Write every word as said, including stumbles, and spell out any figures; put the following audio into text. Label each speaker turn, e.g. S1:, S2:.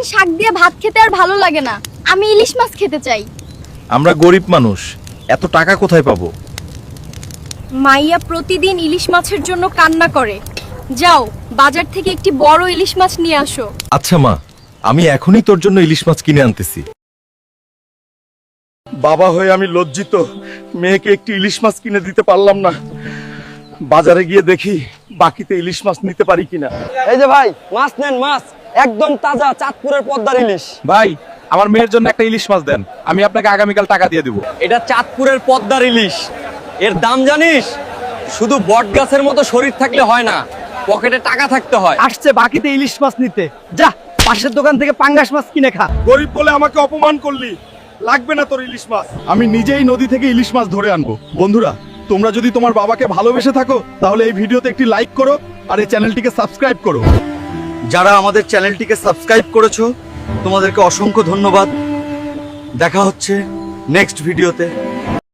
S1: শাক দিয়ে ভাত খেতে আর ভালো লাগে না, আমি ইলিশ মাছ খেতে চাই।
S2: আমরা গরিব মানুষ, এত টাকা কোথায় পাবো?
S1: মাইয়া প্রতিদিন ইলিশ মাছের জন্য কান্না করে। যাও বাজার থেকে একটি বড় ইলিশ মাছ নিয়ে আসো।
S2: আচ্ছা মা, আমি এখনই তোর জন্য ইলিশ মাছ কিনে আনতেছি।
S3: বাবা হয়ে আমি লজ্জিত, মেয়েকে একটি ইলিশ মাছ কিনে দিতে পারলাম না। বাজারে গিয়ে দেখি বাকিতে ইলিশ মাছ নিতে পারি কিনা।
S4: এই যে ভাই, মাছ নেন, মাছ একদম তাজা, চাঁদপুরের পদ্মার ইলিশ।
S2: ভাই, আমার মেয়ের জন্য একটা ইলিশ মাছ দেন, আমি আপনাকে আগামীকাল টাকা দিয়ে দেব।
S4: এটা চাঁদপুরের পদ্মার ইলিশ, এর দাম জানিস? শুধু বট গাছের মতো শরীর থাকলে হয় না, পকেটে টাকা থাকতে হয়।
S5: আসছে বাকিতে ইলিশ মাছ নিতে, যা পাশের দোকান থেকে পাঙ্গাস মাছ কিনে খা।
S3: গরিব বলে আমাকে অপমান করলি, লাগবে না তোর ইলিশ মাছ। আমি নিজেই নদী থেকে ইলিশ মাছ ধরে আনবো। বন্ধুরা, তোমরা যদি তোমার বাবাকে ভালোবেসে থাকো তাহলে এই ভিডিওতে একটি লাইক করো আর এই চ্যানেলটিকে সাবস্ক্রাইব করো। যারা আমাদের চ্যানেলটিকে সাবস্ক্রাইব করেছো তোমাদেরকে অসংখ্য ধন্যবাদ। দেখা হচ্ছে নেক্সট ভিডিওতে।